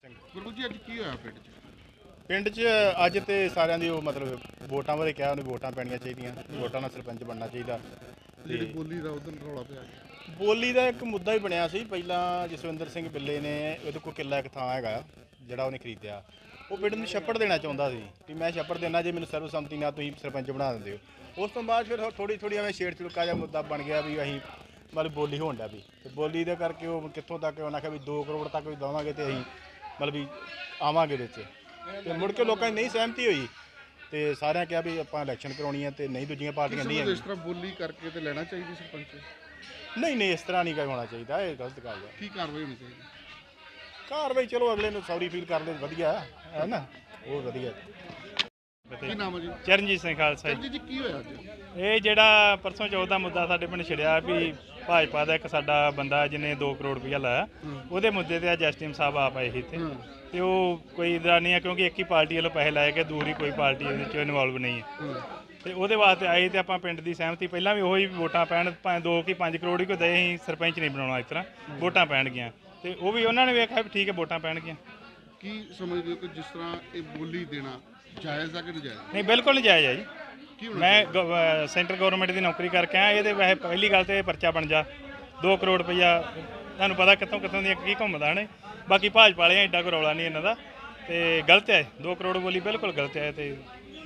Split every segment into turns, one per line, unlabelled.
ਗੁਰੂ ਜੀ ਅੱਜ ਕੀ ਹੋਇਆ ਪਿੰਡ 'ਚ?
ਪਿੰਡ 'ਚ ਅੱਜ ਤੇ ਸਾਰਿਆਂ ਦੀ ਉਹ ਮਤਲਬ ਵੋਟਾਂ ਬਾਰੇ ਕਿਹਾ, ਉਹਨੂੰ ਵੋਟਾਂ ਪੈਣੀਆਂ ਚਾਹੀਦੀਆਂ, ਵੋਟਾਂ ਨਾਲ ਸਰਪੰਚ ਬਣਨਾ ਚਾਹੀਦਾ।
ਜਿਹੜੀ ਬੋਲੀ ਦਾ ਉਦੋਂ ਰੌਲਾ ਪਿਆ
ਬੋਲੀ ਦਾ ਇੱਕ ਮੁੱਦਾ ਹੀ ਬਣਿਆ ਸੀ। ਪਹਿਲਾਂ ਜਸਵਿੰਦਰ ਸਿੰਘ ਬਿੱਲੇ ਨੇ ਉਹਦੇ ਕੋਲ ਕਿੱਲਾ ਇੱਕ ਥਾਂ ਹੈਗਾ ਜਿਹੜਾ ਉਹਨੇ ਖਰੀਦਿਆ, ਉਹ ਪਿੰਡ ਨੂੰ ਛੱਪੜ ਦੇਣਾ ਚਾਹੁੰਦਾ ਸੀ ਕਿ ਮੈਂ ਛੱਪੜ ਦੇਣਾ ਜੇ ਮੈਨੂੰ ਸਰਵਸੰਮਤੀ ਨਾਲ ਤੁਸੀਂ ਸਰਪੰਚ ਬਣਾ ਦਿੰਦੇ ਹੋ। ਉਸ ਤੋਂ ਬਾਅਦ ਫਿਰ ਥੋੜੀ ਐਵੇਂ ਛੇੜ ਛੜਕਾ ਜਿਹਾ ਮੁੱਦਾ ਬਣ ਗਿਆ ਵੀ ਅਸੀਂ ਮਤਲਬ ਬੋਲੀ ਹੋਣ ਡਿਆ ਵੀ, ਤੇ ਬੋਲੀ ਦੇ ਕਰਕੇ ਉਹ ਕਿੱਥੋਂ ਤੱਕ ਉਹਨਾਂ ਆਖਿਆ ਵੀ 2 ਕਰੋੜ ਤੱਕ ਵੀ ਦੇਵਾਂਗੇ ਤੇ ਅਸੀਂ ਮਤਲਬ ਵੀ ਆਵਾਂਗੇ ਵਿੱਚ, ਤੇ ਮੁੜ ਕੇ ਲੋਕਾਂ ਦੀ ਨਹੀਂ ਸਹਿਮਤੀ ਹੋਈ ਤੇ ਸਾਰਿਆਂ ਕਿਹਾ ਵੀ ਆਪਾਂ ਇਲੈਕਸ਼ਨ ਕਰਾਉਣੀ ਹੈ ਤੇ ਨਹੀਂ ਦੂਜੀਆਂ ਪਾਰਟੀਆਂ ਨਹੀਂ
ਇਸ ਤਰ੍ਹਾਂ ਬੋਲੀ ਕਰਕੇ ਤੇ ਲੈਣਾ ਚਾਹੀਦੀ ਸਰਪੰਚ?
ਨਹੀਂ ਇਸ ਤਰ੍ਹਾਂ ਨਹੀਂ ਹੋਣਾ ਚਾਹੀਦਾ, ਇਹ ਗਲਤ ਗੱਲ ਹੈ।
ਕੀ ਕਾਰਵਾਈ ਹੋਣੀ ਚਾਹੀਦੀ?
ਕਾਰਵਾਈ ਚਲੋ ਅਗਲੇ ਨੂੰ ਸੌਰੀ ਫੀਲ ਕਰ ਲੈ, ਵਧੀਆ ਹੈ ਨਾ, ਉਹ ਵਧੀਆ।
ਕੀ ਨਾਮ ਹੈ ਜੀ?
ਚਰਨਜੀਤ ਸਿੰਘ ਖਾਲਸਾ
ਜੀ। ਜੀ ਕੀ ਹੋਇਆ ਅੱਜ?
ਇਹ ਜਿਹੜਾ ਪਰਸੋਂ ਚੌਥ ਦਾ ਮੁੱਦਾ ਸਾਡੇ ਪਿੰਡ ਛਿੜਿਆ ਵੀ ਭਾਜਪਾ ਦਾ ਇੱਕ ਸਾਡਾ ਬੰਦਾ ਜਿਹਨੇ 2 ਕਰੋੜ ਰੁਪਇਆ ਲਾਇਆ, ਉਹਦੇ ਮੁੱਦੇ ਤੇ ਅੱਜ ਐਸਟੀਐਮ ਸਾਹਿਬ ਆਪ ਆਏ ਸੀ ਇੱਥੇ, ਤੇ ਉਹ ਕੋਈ ਇਦਾਂ ਨਹੀਂ ਹੈ ਕਿਉਂਕਿ ਇੱਕ ਹੀ ਪਾਰਟੀ ਵੱਲੋਂ ਪੈਸੇ ਲਾਏ ਗਏ, ਦੂਰੀ ਕੋਈ ਪਾਰਟੀ ਇਹਦੇ 'ਚ ਇਨਵੋਲਵ ਨਹੀਂ ਹੈ, ਤੇ ਉਹਦੇ ਵਾਸਤੇ ਆਏ ਤੇ ਆਪਾਂ ਪਿੰਡ ਦੀ ਸਹਿਮਤੀ ਪਹਿਲਾਂ ਵੀ ਉਹੀ ਵੋਟਾਂ ਪੈਣ, ਭਾਵੇਂ 2 ਕਿ 5 ਕਰੋੜ ਹੀ ਕੋਈ ਦੇ, ਅਸੀਂ ਸਰਪੰਚ ਨਹੀਂ ਬਣਾਉਣਾ, ਇਸ ਤਰ੍ਹਾਂ ਵੋਟਾਂ ਪੈਣਗੀਆਂ, ਤੇ ਉਹ ਵੀ ਉਹਨਾਂ ਨੇ ਵੇਖਿਆ ਵੀ ਠੀਕ ਹੈ ਵੋਟਾਂ ਪੈਣਗੀਆਂ।
ਕੀ ਸਮਝਦੇ ਹੋ ਕਿ ਜਿਸ ਤਰ੍ਹਾਂ ਇਹ ਬੋਲੀ ਦੇਣਾ ਜਾਇਜ਼ ਆ ਕਿ ਨਜਾਇਜ਼?
ਨਹੀਂ ਬਿਲਕੁਲ ਨਜਾਇਜ਼ ਹੈ ਜੀ। ਮੈਂ ਸੈਂਟਰ ਗਵਰਨਮੈਂਟ ਦੀ ਨੌਕਰੀ ਕਰਕੇ ਆਇਆ, ਇਹਦੇ ਵੈਸੇ ਪਹਿਲੀ ਗੱਲ ਤੇ ਪਰਚਾ ਬਣ ਜਾ 2 ਕਰੋੜ ਰੁਪਈਆ ਤੁਹਾਨੂੰ ਪਤਾ ਕਿੱਥੋਂ ਦੀਆਂ ਕੀ ਘੁੰਮਦਾ ਨੇ, ਬਾਕੀ ਭਾਜਪਾ ਵਾਲਿਆਂ ਐਡਾ ਕੋਈ ਰੌਲਾ ਨਹੀਂ ਇਹਨਾਂ ਦਾ, ਤੇ ਗਲਤ ਹੈ 2 ਕਰੋੜ ਬੋਲੀ ਬਿਲਕੁਲ ਗਲਤ ਹੈ। ਤੇ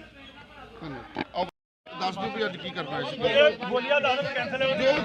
ਦੱਸ ਦਿਓ ਵੀ ਅੱਜ ਕੀ ਕਰਨਾ ਹੈ?
ਬੋਲੀਆਂ ਦਾ ਕੈਂਸਲ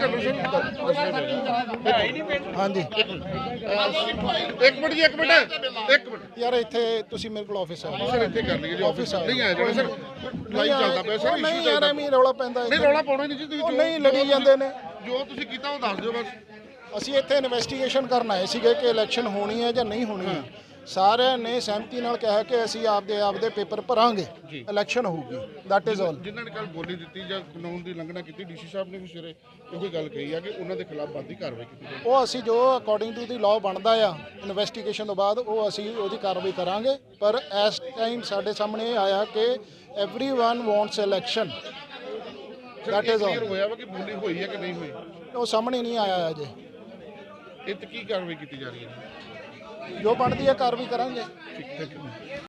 ਹਾਂਜੀ
ਇੱਕ ਮਿੰਟ
ਯਾਰ, ਇੱਥੇ ਤੁਸੀਂ ਮੇਰੇ ਕੋਲ ਆਫਿਸ ਆਓ
ਸਰ, ਇੱਥੇ ਕਰ ਲਈਏ ਜੀ।
ਆਫਿਸ
ਨਹੀਂ ਆਇਆ ਜਿਹੜਾ ਸਰ ਲਾਈਵ ਚੱਲਦਾ ਪਿਆ ਸਰ,
ਨਹੀਂ ਯਾਰ ਐਵੇਂ ਰੌਲਾ ਪੈਂਦਾ
ਨਹੀਂ ਰੌਲਾ ਪਾਉਣਾ ਨਹੀਂ ਜੀ ਤੁਸੀਂ,
ਉਹ ਨਹੀਂ ਲੜੀ ਜਾਂਦੇ ਨੇ।
ਜੋ ਤੁਸੀਂ ਕੀਤਾ ਉਹ ਦੱਸ ਦਿਓ ਬਸ।
ਅਸੀਂ ਇੱਥੇ ਇਨਵੈਸਟੀਗੇਸ਼ਨ ਕਰਨ ਆਏ ਸੀਗੇ ਕਿ ਇਲੈਕਸ਼ਨ ਹੋਣੀ ਹੈ ਜਾਂ ਨਹੀਂ ਹੋਣੀ ਹੈ। ਸਾਰਿਆਂ ਨੇ ਸਹਿਮਤੀ ਨਾਲ ਕਿਹਾ ਕਿ ਅਸੀਂ ਆਪਦੇ ਪੇਪਰ ਭਰਾਂਗੇ, ਇਲੈਕਸ਼ਨ ਹੋਊਗੀ, ਦੈਟ ਇਜ਼ ਆਲ।
ਜਿਨ੍ਹਾਂ ਨੇ ਕੱਲ ਬੋਲੀ ਦਿੱਤੀ ਜਾਂ ਕਾਨੂੰਨ ਦੀ ਉਲੰਘਣਾ ਕੀਤੀ, ਡੀਸੀ ਸਾਹਿਬ ਨੇ ਵੀ ਸਵੇਰੇ ਇਹੋ ਗੱਲ ਕਹੀ ਆ ਕਿ ਉਹਨਾਂ ਦੇ ਖਿਲਾਫ ਬਣਦੀ ਕਾਰਵਾਈ ਕੀਤੀ ਜਾਵੇ।
ਉਹ ਅਸੀਂ ਜੋ ਅਕੋਰਡਿੰਗ ਟੂ ਦੀ ਲਾਅ ਬਣਦਾ ਆ ਇਨਵੈਸਟੀਗੇਸ਼ਨ ਤੋਂ ਬਾਅਦ ਉਹ ਅਸੀਂ ਉਹਦੀ ਕਾਰਵਾਈ ਕਰਾਂਗੇ। ਪਰ ਇਸ ਟਾਈਮ ਸਾਡੇ ਸਾਹਮਣੇ ਇਹ ਆਇਆ ਕਿ everyone wants election, that is all.
ਹੋਇਆ ਵਾ ਕਿ ਬੋਲੀ ਹੋਈ ਹੈ ਕਿ ਨਹੀਂ ਹੋਈ,
ਉਹ ਸਾਹਮਣੇ ਨਹੀਂ ਆਇਆ ਅਜੇ।
ਇਹ ਤੇ ਕੀ ਕਾਰਵਾਈ ਕੀਤੀ ਜਾ ਰਹੀ ਹੈ?
ਜੋ ਬਣਦੀ ਹੈ ਕਾਰਵਾਈ ਕਰਾਂਗੇ।
ਠੀਕ ਹੈ।